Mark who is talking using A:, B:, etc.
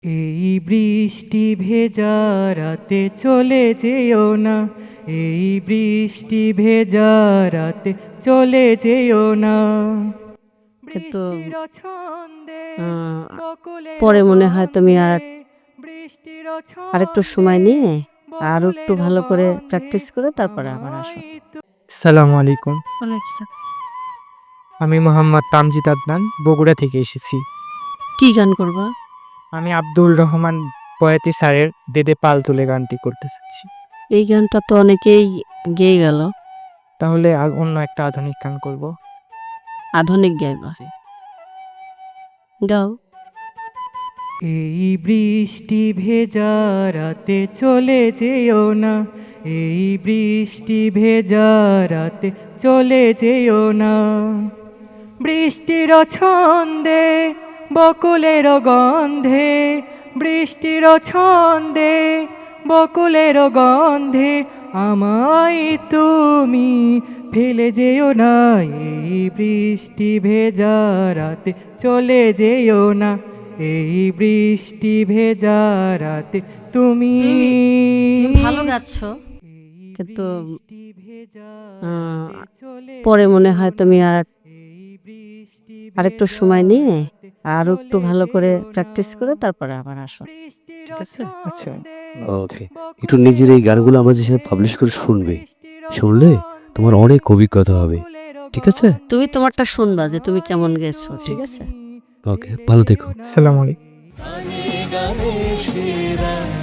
A: এই বৃষ্টি ভেজা রাতে চলে যেও না, এই বৃষ্টি ভেজা রাতে চলে যেও না।
B: কিন্তু
A: বৃষ্টির ছন্দে বকুলের
B: পরে মনে হয় তুমি
A: গন্ধে, বৃষ্টির
B: আরেকটু
A: ছন্দে
B: সময় নিয়ে আরো একটু
A: বকুলের
B: ভালো করে
A: গন্ধে
B: প্র্যাকটিস করে তারপরে আবার আসো।
C: আসসালামু আলাইকুম। আমি মোহাম্মদ তামজিদ আদনান, বগুড়া থেকে এসেছি।
B: কি গান করবা?
C: আমি আব্দুল রহমান বয়াতি স্যারের দেদে পাল তুলে গানটি করতে চাচ্ছি।
B: এই গানটা তো অনেকেই গেয়ে গেল,
C: তাহলে অন্য একটা আধুনিক গান করব।
B: আধুনিক গাইবা, গাও।
A: এই বৃষ্টি ভেজা রাতে চলে যেও না, এই বৃষ্টি ভেজা রাতে চলে যেও না। বৃষ্টির ছন্দে বকুলের গন্ধে, বৃষ্টির ছন্দে বকুলের গন্ধে আমায় তুমি ফেলে যেও না। এই বৃষ্টি ভেজা রাতে চলে যেও না, এই বৃষ্টি ভেজা রাতে তুমি
B: ভালো গাচ্ছ,
A: এই
B: কিন্তু
A: বৃষ্টি ভেজা
B: আহ,
A: রাতে চলে
B: পরে মনে হয় তুমি
A: এই বৃষ্টি
B: আরেকটু
A: ভেজা
B: সময় নিয়ে
A: রাতে
B: আরো একটু
A: চলে
B: ভালো করে
A: যেও না।
B: প্র্যাকটিস করে তারপরে আবার আসো।
A: বৃষ্টির
B: ঠিক আছে?
C: আচ্ছা।
A: ছন্দে
D: ওকে, একটু নিজের এই গানগুলো আমাদের সাথে পাবলিশ করে শুনবে। শুনলে তোমার অনেক অভিজ্ঞতা হবে। ঠিক আছে?
B: তুমি তোমারটা শুনবা যে তুমি কেমন গেছো। ঠিক আছে?
D: ওকে, ভালো থেকো।
C: আসসালামু আলাইকুম।
E: গানে গানে সেরা